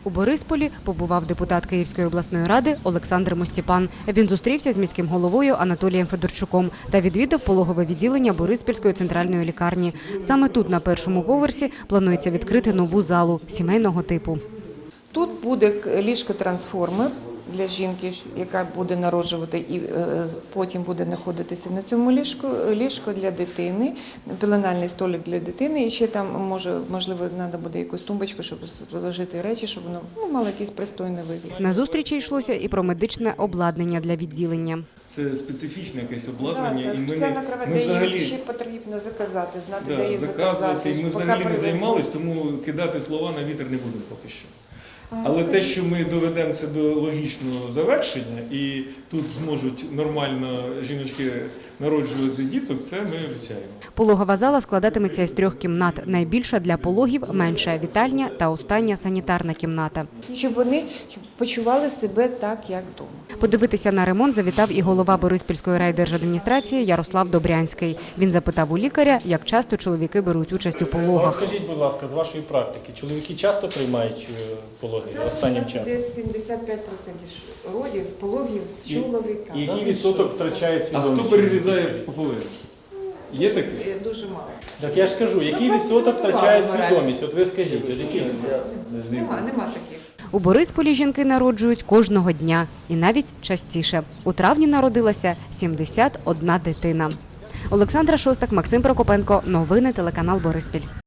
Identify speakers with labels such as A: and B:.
A: У Борисполі побував депутат Київської обласної ради Олександр Мостіпан. Він зустрівся з міським головою Анатолієм Федорчуком та відвідав пологове відділення Бориспільської центральної лікарні. Саме тут, на першому поверсі, планується відкрити нову залу сімейного типу.
B: Тут буде ліжко-трансформер для жінки, яка буде народжувати і потім буде знаходитися на цьому ліжко для дитини, пеленальний столик для дитини. І ще там, можливо, треба буде якусь тумбочку, щоб зложити речі, щоб воно мало якийсь пристойний вигляд.
A: На зустрічі йшлося і про медичне обладнання для відділення.
C: Це специфічне якесь обладнання, і
B: ми взагалі ще потрібно заказати, знати, де її заказати.
C: Ми взагалі не займалися, тому кидати слова на вітер не будемо поки що. Але те, що ми доведемо це до логічного завершення і тут зможуть нормально жіночки народжувати діток, це ми обіцяємо.
A: Пологова зала складатиметься із 3 кімнат. Найбільша для пологів, менша вітальня та остання санітарна кімната.
B: Щоб вони почували себе так, як вдома.
A: Подивитися на ремонт завітав і голова Бориспільської райдержадміністрації Ярослав Добрянський. Він запитав у лікаря, як часто чоловіки беруть участь у пологах.
D: Скажіть, будь ласка, з вашої практики, чоловіки часто приймають пологи останнім часом?
B: Десь 75% пологів з чоловіками.
D: І який відсоток втрачає свідомість?
C: А хто перерізає пополовину? Є таке?
B: Дуже мало.
D: Так я ж кажу, який відсоток втрачає свідомість? От ви скажіть, який?
B: Нема таких.
A: У Борисполі жінки народжують кожного дня і навіть частіше. У травні народилася 71 дитина. Олександра Шостак, Максим Прокопенко. Новини телеканал Бориспіль.